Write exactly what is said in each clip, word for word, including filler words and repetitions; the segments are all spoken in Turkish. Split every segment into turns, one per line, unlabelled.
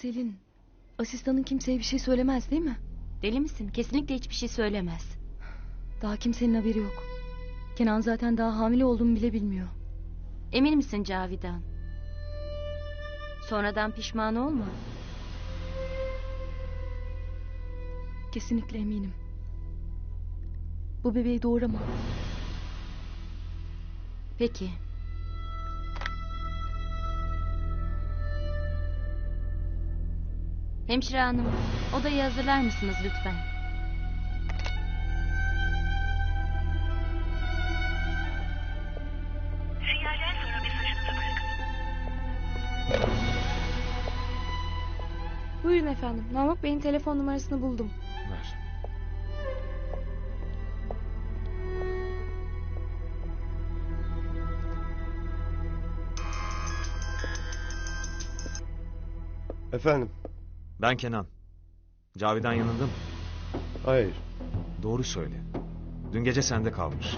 Selin, asistanın kimseye bir şey söylemez değil mi?
Deli misin? Kesinlikle hiçbir şey söylemez.
Daha kimsenin haberi yok. Kenan zaten daha hamile olduğumu bile bilmiyor.
Emin misin Cavidan? Sonradan pişman olma.
Kesinlikle eminim. Bu bebeği doğuramam.
Peki. Hemşire hanım, odayı hazırlar mısınız lütfen?
Sinyalden sonra mesajınızı bırakın.
Buyurun efendim. Namık Bey'in telefon numarasını buldum.
Ver.
Efendim?
Ben Kenan. Cavidan yanında mı?
Hayır.
Doğru söyle. Dün gece sende kalmış.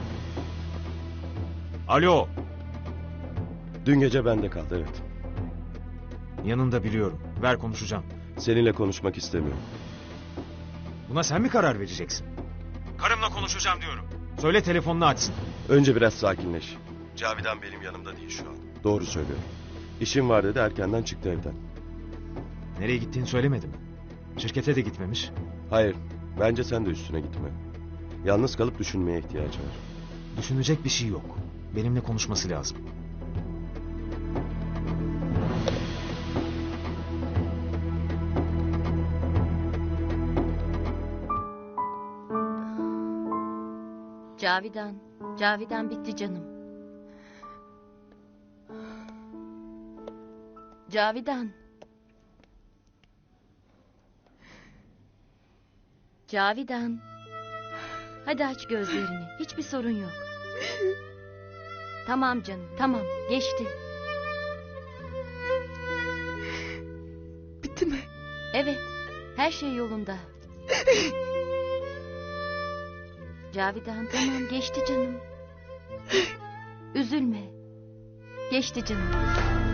Alo.
Dün gece bende kaldı, evet.
Yanında biliyorum. Ver konuşacağım.
Seninle konuşmak istemiyorum.
Buna sen mi karar vereceksin? Karımla konuşacağım diyorum. Söyle telefonunu açsın.
Önce biraz sakinleş. Cavidan benim yanımda değil şu an. Doğru söylüyorum. İşim var dedi, erkenden çıktı evden.
Nereye gittiğini söylemedi mi? Şirkete de gitmemiş.
Hayır, bence sen de üstüne gitme. Yalnız kalıp düşünmeye ihtiyacı var.
Düşünecek bir şey yok. Benimle konuşması lazım.
Cavidan, Cavidan bitti canım. Cavidan. Cavidan. Hadi aç gözlerini. Hiçbir sorun yok. Tamam canım, tamam. Geçti.
Bitti mi?
Evet, her şey yolunda. Cavidan, tamam, geçti canım. Üzülme. Geçti canım.